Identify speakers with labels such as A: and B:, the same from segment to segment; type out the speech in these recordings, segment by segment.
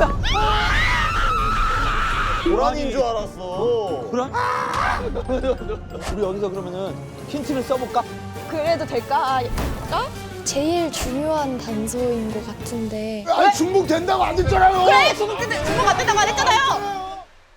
A: 뭐야?
B: 고라니인 줄 알았어.
C: 그래? 우리 여기서 그러면은 힌트를 써볼까?
A: 그래도 될까?
D: 제일 중요한 단서인 것 같은데
B: 아 중복 된다고 안 됐잖아요.
A: 그래 중국 안 된다고 안 했잖아요.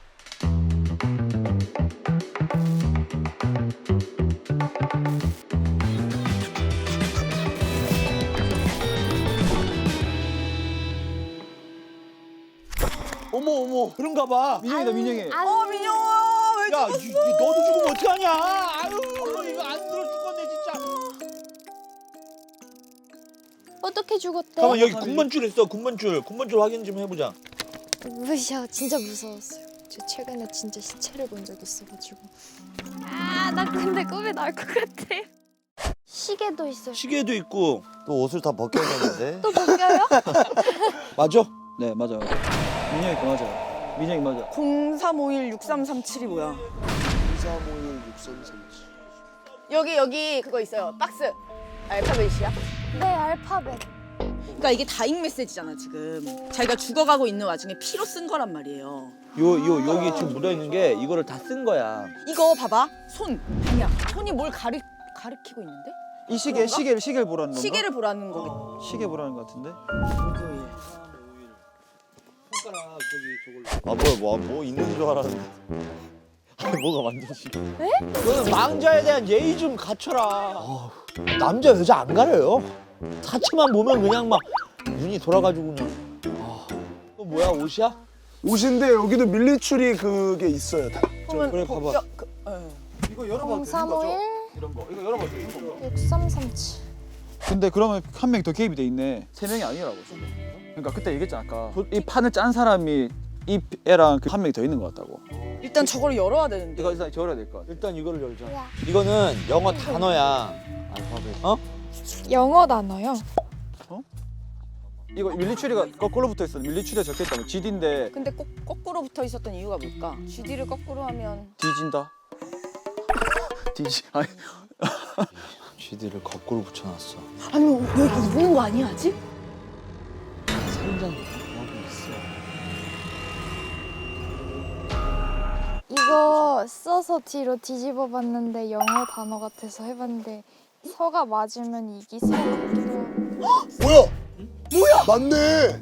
C: 어머 어머 그런가 봐.
E: 민영이다 민영이.
A: 민영아 왜
C: 야 너도 죽으면 어떡하냐. 아유 이거 안 들어 죽겠네 진짜.
D: 어떻게 죽었대?
C: 잠깐만 여기 군번줄 있어. 군번줄 확인 좀 해보자.
D: 무시야 진짜 무서웠어요. 저 최근에 진짜 시체를 본 적 있어가지고. 나 근데 꿈에 나올 것 같아. 시계도 있어요.
C: 시계도 있고.
B: 또 옷을 다 벗겨졌는데.
D: 또 벗겨요?
C: 맞아?
E: 네 맞아. 민영이 거 맞아. 민영이 맞아.
A: 03516337이 뭐야?
B: 23516337.
A: 여기 그거 있어요. 박스. 알파벳이야?
D: 네 알파벳.
A: 그러니까 이게 다잉 메시지잖아 지금. 자기가 죽어가고 있는 와중에 피로 쓴 거란 말이에요.
C: 여기 지금 묻어 있는 게 이거를 다 쓴 거야.
A: 이거 봐봐. 손. 아니야. 손이 뭘 가리키고 있는데?
E: 이 시계를 보라는 건가?
A: 시계를 보라는 거겠.
E: 시계 보라는 것 같은데.
C: 손가락 저기 저걸.
B: 뭐 있는 줄 알았는데. 아니 뭐가 완전히.
C: 너는 망자에 대한 예의 좀 갖춰라. 남자 여자 안 가려요. 사체만 보면 그냥 막 눈이 돌아가지고 그냥. 이거 뭐야 옷이야?
B: 옷인데 여기도 밀리추리 그게 있어요. 다.
C: 그래 봐봐.
E: 이거 열어봐.
D: 0351
E: 이런 거. 이거 열어봐. 이런 거.
D: 6337.
E: 근데 그러면 한 명이 더 개입이 돼 있네. 3명이 아니라고 지금. 그러니까 그때 얘기했잖아 아까. 이 판을 짠 사람이 이 애랑 한 명이 더 있는 것 같다고.
A: 일단 저걸 열어야 되는데.
E: 이거 일단 열어야 될 것 같아.
C: 일단 이거를 열자.
D: 야.
C: 이거는 영어 단어야. 알파벳.
D: 영어 단어요?
E: 이거 밀리추리가 거꾸로 붙어 있어. 밀리추리가 적혀 있다면 GD인데
A: 근데 꼭 거꾸로 붙어 있었던 이유가 뭘까? GD를 거꾸로 하면
E: 뒤진다. 뒤지. 아니.
C: GD를 거꾸로 붙여놨어.
A: 아니 왜 이렇게 입는 거 아니야 아직?
C: 살인자는 하고 있어.
D: 이거 써서 뒤로 뒤집어 봤는데 영어 단어 같아서 해봤는데 서가 맞으면 이기 서 같기도 하고.
B: 뭐야? 맞네.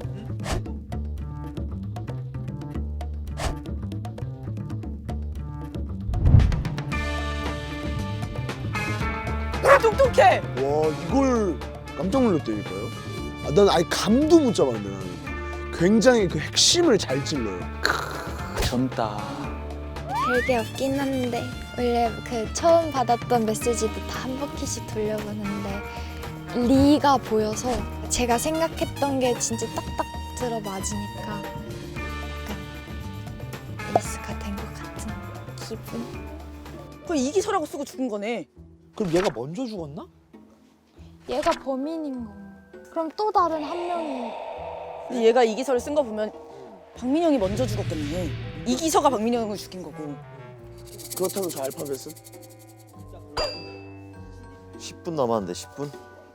A: 똑똑해.
B: 와 이걸 깜짝 놀랐다니까요. 난 아예 감도 못 잡았네 나는. 굉장히 그 핵심을 잘 찔러요.
E: 젊다.
D: 별게 없긴 한데 원래 그 처음 받았던 메시지도 다 한 바퀴씩 돌려보는데 리가 보여서 제가 생각했던 게 진짜 딱딱 들어 맞으니까 약간 에이스가 된 것 같은 기분.
A: 그럼 이기서라고 쓰고 죽은 거네.
C: 그럼 얘가 먼저 죽었나?
D: 얘가 범인인 거. 그럼 또 다른 한 명이
A: 근데 얘가 이기서를 쓴 거 보면 박민영이 먼저 죽었겠네. 이기서가 박민영을 죽인 거고.
B: 그렇다면 저 알파벳은? 10분 남았는데 10분?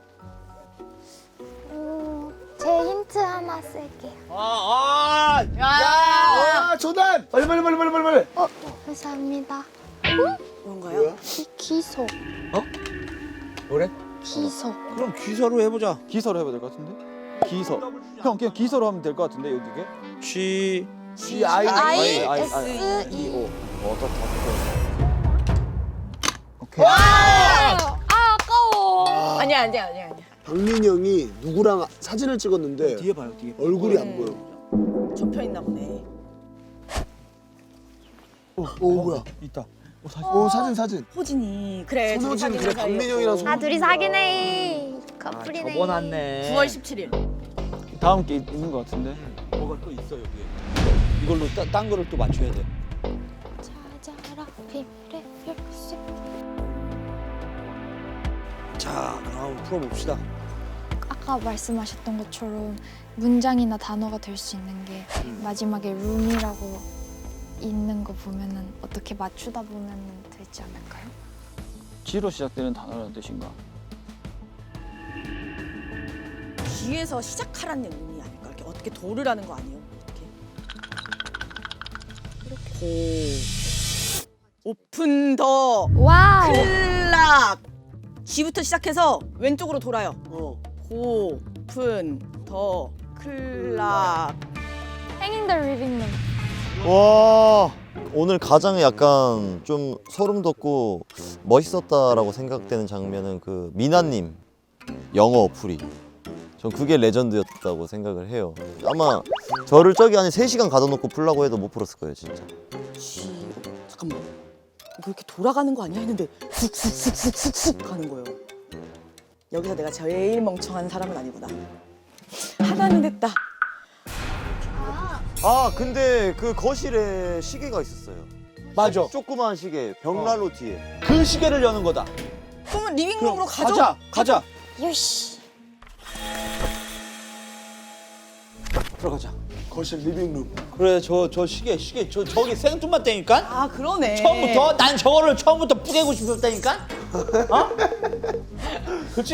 D: 제 힌트 하나 쓸게요.
B: 아 조단! 빨리.
D: 감사합니다.
A: 뭔가요?
B: 뭐야?
D: 기소.
C: 그래?
D: 기소.
C: 그럼 기사로 해보자.
E: 기서로 해봐야 될 것 같은데? 기서. 형 그냥 기서로 하면 될 것 같은데 여기게?
C: G
D: ISE.
E: 오케이.
D: 아까워.
A: 아니야.
B: 박민영이 누구랑 사진을 찍었는데
C: 뒤에 봐요 뒤에.
B: 얼굴이 안 보여.
A: 접혀 있나 보네.
B: 오 뭐야?
C: 있다.
B: 오 사진.
A: 호진이. 그래. 둘이
B: 손호진,
A: 사귀는
B: 그래,
A: 사이였고.
B: 박민영이랑 손-
D: 둘이 사귀네. 커플이네.
C: 접어놨네.
A: 9월 17일.
E: 다음 게 있는 것 같은데.
C: 뭐가 또 있어 여기에. 이걸로 딴 거를 또 맞춰야 돼.
D: 찾아라 비밀의 열쇠.
C: 자 그럼 풀어봅시다.
D: 아까 말씀하셨던 것처럼 문장이나 단어가 될 수 있는 게 마지막에 룸이라고 있는 거 보면은 어떻게 맞추다 보면은 되지 않을까요?
E: G로 시작되는 단어라는 뜻인가?
A: 뒤에서 시작하라는 의미 아닐까? 이렇게 어떻게 도르라는 거 아니에요? 이렇게 오픈 더
D: 와우.
A: 클락. G부터 시작해서 왼쪽으로 돌아요. 오픈 더 클락.
D: Hanging the living room.
F: 와 오늘 가장 약간 좀 소름 돋고 멋있었다라고 생각되는 장면은 그 미나님 영어 어플이 전 그게 레전드였다고 생각을 해요. 아마 저를 저기 안에 3시간 가둬놓고 풀라고 해도 못 풀었을 거예요 진짜.
A: 잠깐만. 이거 이렇게 돌아가는 거 아니야 했는데 훅훅훅훅훅 가는 거예요. 여기서 내가 제일 멍청한 사람은 아니구나. 하나는 됐다.
F: 아 근데 그 거실에 시계가 있었어요.
C: 맞아.
F: 조그만 시계 벽난로 뒤에.
C: 그 시계를 여는 거다.
A: 그러면 리빙룸으로 가죠.
C: 가자.
D: 요시.
C: 들어가자.
B: 거실 리빙룸.
C: 그래 저 시계 저기 생뚱맞다니까.
A: 아 그러네.
C: 처음부터 난 저거를 처음부터 뿌개고 싶었다니까. 어? 그렇지.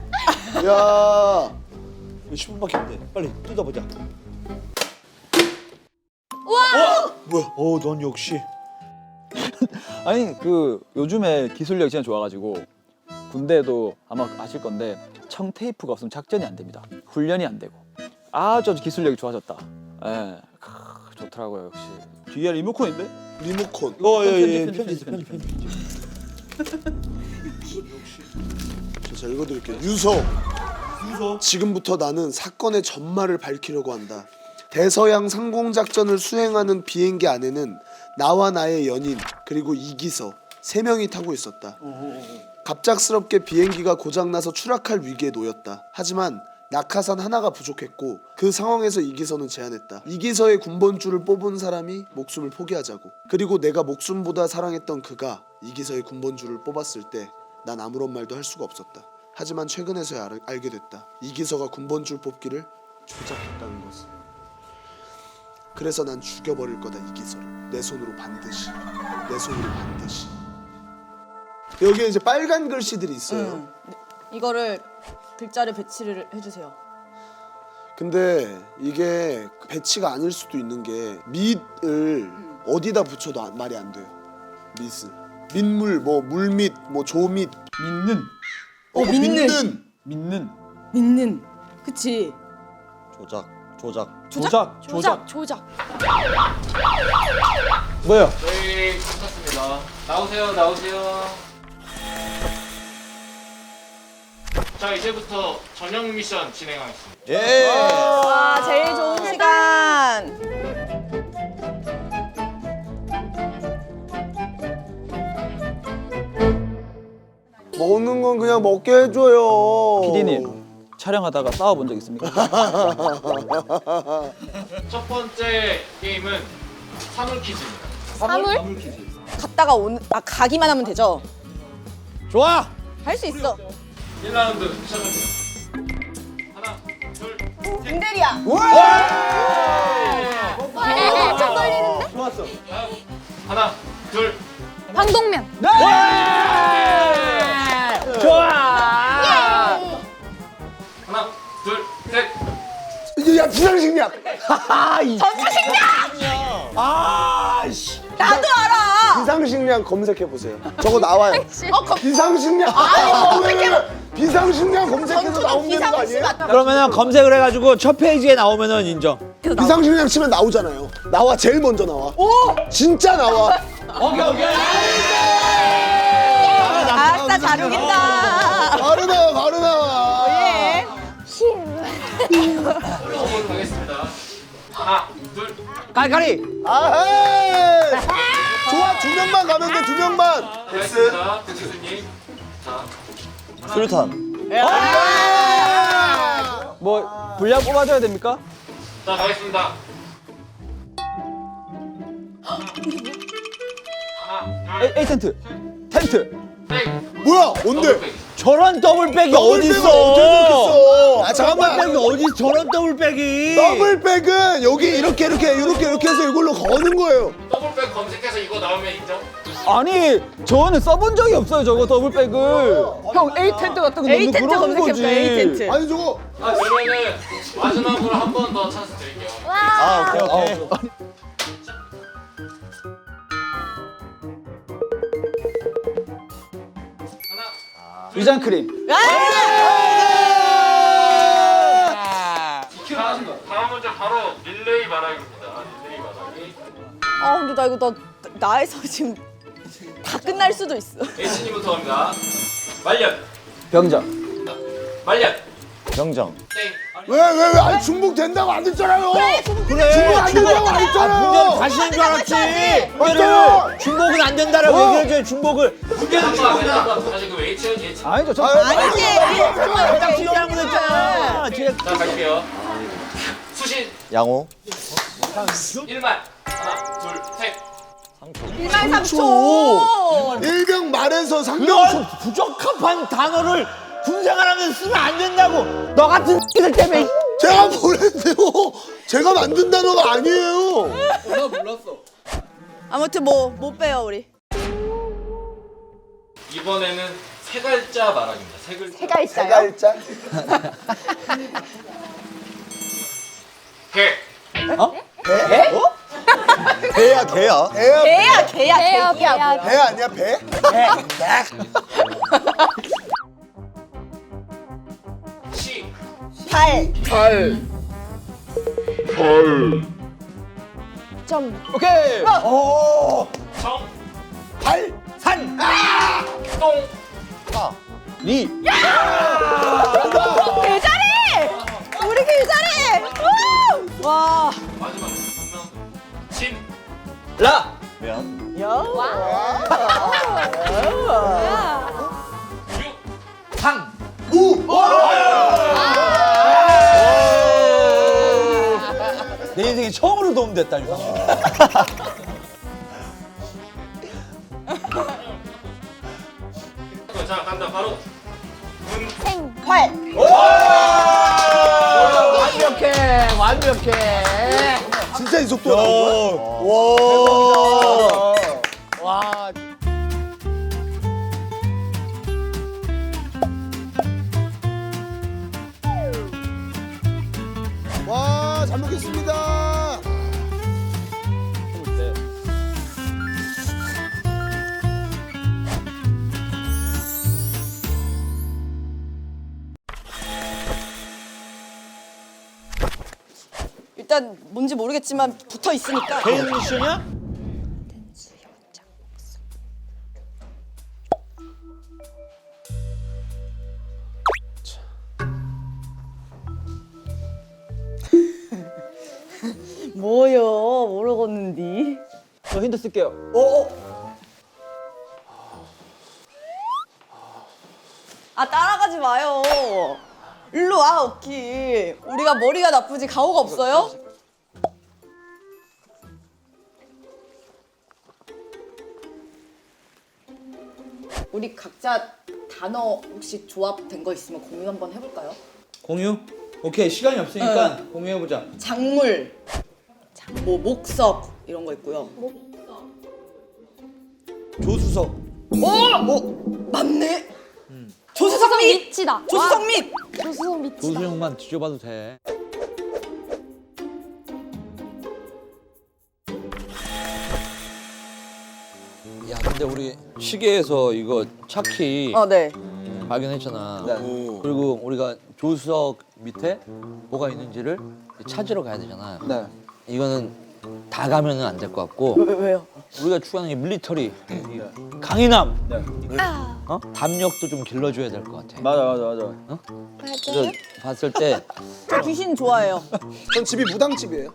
B: 야
C: 10분밖에 안 돼. 빨리 뜯어보자.
B: 뭐야?
C: 넌 역시.
E: 아니 그 요즘에 기술력이 진짜 좋아가지고 군대도 아마 아실 건데 청 테이프가 없으면 작전이 안 됩니다. 훈련이 안 되고 아주 기술력이 좋아졌다. 예, 좋더라고요 역시. 뒤에 리모컨인데?
B: 리모컨.
C: 예,
E: 편집.
B: 제가 읽어드릴게요. 유서. 지금부터 나는 사건의 전말을 밝히려고 한다. 대서양 상공작전을 수행하는 비행기 안에는 나와 나의 연인 그리고 이기서 3명이 타고 있었다. 갑작스럽게 비행기가 고장나서 추락할 위기에 놓였다. 하지만 낙하산 하나가 부족했고 그 상황에서 이기서는 제안했다. 이기서의 군번줄을 뽑은 사람이 목숨을 포기하자고. 그리고 내가 목숨보다 사랑했던 그가 이기서의 군번줄을 뽑았을 때 난 아무런 말도 할 수가 없었다. 하지만 최근에서야 알게 됐다. 이기서가 군번줄 뽑기를 조작했다는 것을. 그래서 난 죽여버릴 거다 이기서를. 내 손으로 반드시. 내 손으로 반드시. 여기에 이제 빨간 글씨들이 있어요.
A: 이거를 글자를 배치를 해주세요.
B: 근데 이게 배치가 아닐 수도 있는 게 밑을 어디다 붙여도 말이 안 돼요. 밑을. 밑물, 뭐 물밑, 뭐 조밑.
E: 믿는.
A: 믿는.
B: 믿는.
A: 믿는. 그치.
F: 조작.
D: 조작.
C: 뭐야?
G: 저희 붙었습니다. 나오세요. 자, 이제부터 저녁 미션 진행하겠습니다.
F: 예.
A: 와 제일 좋은 시간.
B: 먹는 건 그냥 먹게 해줘요.
E: PD님 촬영하다가 싸워본 적 있습니까?
G: 첫 번째 게임은 사물 퀴즈입니다.
D: 사물?
A: 갔다가 가기만 하면 되죠.
C: 좋아.
A: 할 수 있어.
G: 1라운드 시작합니다. 하나, 둘,
A: 김대리야.
D: 좀 걸리는데?
C: 좋았어.
G: 하나, 둘,
D: 방독면.
C: 좋아.
G: 하나, 둘, 셋.
B: 야 비상식량.
C: 아씨.
A: 나도 알아.
B: 비상식량 검색해 보세요. 저거 나와요. 비상식량. 비상식량 검색해서
A: 전투가
B: 나오는 거
A: 비상시
B: 아니에요?
A: 맞다.
C: 그러면은 검색을 해가지고 첫 페이지에 나오면은 인정.
B: 비상식량 치면 나오잖아요. 나와 제일 먼저 나와. 진짜 나와.
C: 오케이.
A: 아싸 잘 우긴다.
B: 바로 나와.
A: 예.
G: 올라오도록 하겠습니다. 하나, 둘,
C: 깔깔이.
B: 아헤이. 좋아 2명만 가면 돼 2명만.
G: 됐습니다. 교수님. 자,
F: 수류탄.
E: 뭐 분량 뽑아줘야 됩니까?
G: 자, 가겠습니다. 하나, 둘,
E: A 텐트. 텐트.
G: 셋.
B: 뭐야 뭔데?
G: 더블백.
C: 저런 더블백이
B: 더블백은
C: 어딨어?
B: 어디서 아 잠깐만.
C: 더블백이 어디 저런 더블백이?
B: 더블백은 여기 이렇게 해서 이걸로 거는 거예요.
G: 더블백 검색해서 이거 나오면 인정?
E: 아니 저는 써본 적이 없어요 저거 더블백을. 형 A 텐트 같은 거
A: A
E: 넣는
A: 텐트
E: 그런 거지.
A: 검색해볼까 A 텐트.
B: 아니 저거
G: 그러면은 마지막으로 한 번 더 찬스 드릴게요.
F: 아 오케이.
E: 아, 위장 크림.
G: 다음 문제 바로 릴레이 말하기입니다. 릴레이 말하기.
A: 아 근데 나 이거 나에서 지금 다 끝날 수도 있어.
G: H님부터 갑니다. 말년.
E: 병정.
G: 말년.
F: 병정.
G: 땡.
B: 왜? 아니 중복 된다고 안 했잖아요.
C: 그래.
B: 중복 안 된다고 안 했잖아요.
C: 문제는 다시 한 줄 알았지.
B: 맞잖아.
C: 얘를 중복은 안 된다라고 얘기해줘요. 중복을.
G: 다시 그 H.
E: 아니죠. 저
C: 딱 지어라고 했잖아.
G: 자 갈게요. 수신
F: 양호.
G: 1만. 하나, 둘, 셋.
A: 1만 3초.
B: 일병 말에서 상병
C: 이런 부적합한 단어를 군생활하면 쓰면 안 된다고. 너 같은 새끼들 때문에.
B: 제가 보냈대요. 제가 만든 단어가 아니에요.
A: 아무튼 뭐 못 빼요 우리.
G: 이번에는 세 글자 말하기입니다. 세 글자.
A: 세 글자요?
B: 갈자.
G: 개.
F: 개야 개야.
B: 애야.
A: 개야.
B: 배 아니야 배?
G: 시.
A: 발.
E: 오케이.
G: 정.
C: 산.
G: 똥.
C: 리.
A: 개잘해. 우리 개잘해. 우! 와.
G: 마지막. 진.
E: 라.
F: 미안.
G: 유.
C: 상. 내 인생에 처음으로 도움됐다 이거.
G: 자 간다 바로. 군.
A: 활.
C: 완벽해.
B: 진짜 이 속도가 나온 거야? 와.
C: 와.
B: 와, 잘 먹겠습니다.
A: 일단 뭔지 모르겠지만 붙어 있으니까.
C: 개인 미션이야?
A: 뭐요? 모르겠는디.
E: 저 힌트 쓸게요.
A: 아 따라가지 마요. 일로 와 오키. 우리가 머리가 나쁘지 가오가 없어요? 우리 각자 단어 혹시 조합된 거 있으면 공유 한번 해볼까요?
C: 공유? 오케이 시간이 없으니까 공유해보자.
A: 작물, 뭐 목석 이런 거 있고요.
C: 조수석.
A: 맞네. 조수석 및
D: 밑이다.
A: 조수석 및
D: 조수석 밑이다.
C: 조수형만 뒤져봐도 돼. 야 근데 우리 시계에서 이거 차키
A: 네.
C: 발견했잖아.
E: 네.
C: 그리고 우리가 조수석 밑에 뭐가 있는지를 찾으러 가야 되잖아.
E: 네.
C: 이거는 다 가면은 안 될 것 같고
A: 왜요?
C: 우리가 추구하는 게 밀리터리 강인함,
D: 아,
C: 담력도 좀 길러줘야 될 것 같아.
E: 맞아.
D: 맞아요.
C: 그래서 봤을 때
A: 저 귀신 좋아해요.
B: 전 집이 무당집이에요.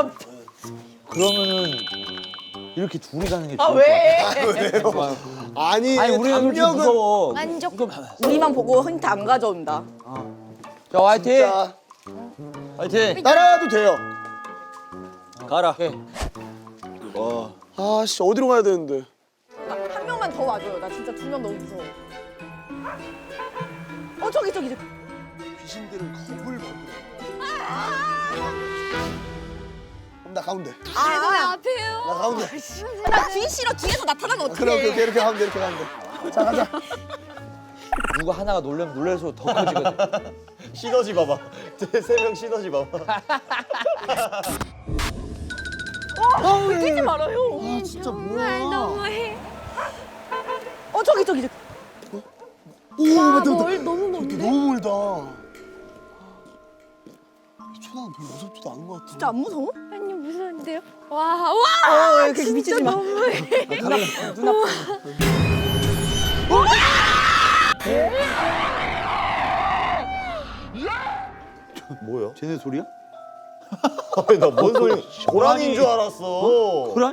C: 그러면은 이렇게 둘이 가는 게
A: 아
C: 좋을 것 같아.
A: 왜?
B: 아니,
C: 아니 우리가 그렇게
B: 담력은
C: 무서워.
D: 만족.
A: 우리만 보고 힌트 안 가져온다.
C: 자 화이팅.
B: 자,
C: 화이팅.
B: 따라와도 돼요.
C: 가라.
B: 아, 씨, 어디로 가야 되는데?
A: 한 명만 더 와줘요. 나 진짜 두 명 너무 무서워. 저기.
B: 귀신들은 겁을 먹고. 그럼 나 가운데.
D: 아, 앞에요.
B: 나 가운데.
A: 나 뒤 싫어. 뒤에서 나타나면 어떡해.
B: 그래, 오케이, 이렇게 가면 돼, 이렇게 가면 돼. 자, 가자.
C: 누가 하나가 놀래면 놀랄수록 더 커지거든.
F: 시너지 봐봐. 세 명 시너지 봐봐.
A: 뛰지 말아요.
B: 진짜
D: 정말
B: 뭐야.
D: 너무해.
A: 저기.
B: 오 맞다.
D: 너무 먼데?
B: 너무 멀다. 초나는 별로 무섭지도 않은 것 같아.
A: 진짜 안 무서워?
D: 아니 무서운데요? 와
A: 그렇게 미치지 마. 눈 아파.
F: 뭐야?
C: 쟤네 소리야?
F: 아니 나 뭔 소리? 고라니인 줄 알았어.
C: 고라니?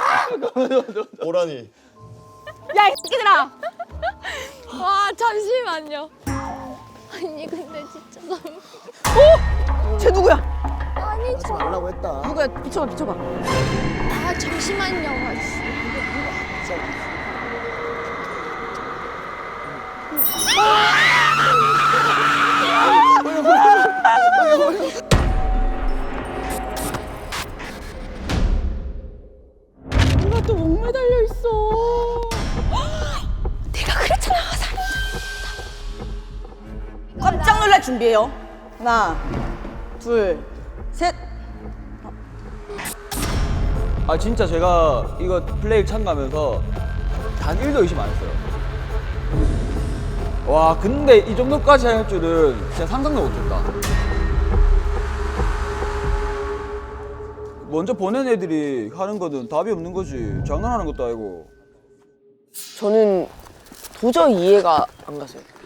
F: 고라니.
A: 야, 이 새끼들아!
D: 와 잠시만요. 아니 근데 진짜 너무
A: 쟤 누구야?
D: 아니
B: 하지 말라고 했다.
A: 누구야? 비춰봐, 비춰봐.
D: 아 잠시만요. 아씨.
A: 누가 또 목매달려 있어. 내가 그랬잖아, 깜짝 놀랄 준비해요. 하나, 둘, 셋.
E: 아 진짜 제가 이거 플레이 참가하면서 단 1도 의심 안 했어요. 와 근데 이 정도까지 할 줄은 진짜 상상도 못했다. 먼저 보낸 애들이 하는 거는 답이 없는 거지. 장난하는 것도 아니고.
H: 저는 도저히 이해가 안 갔어요.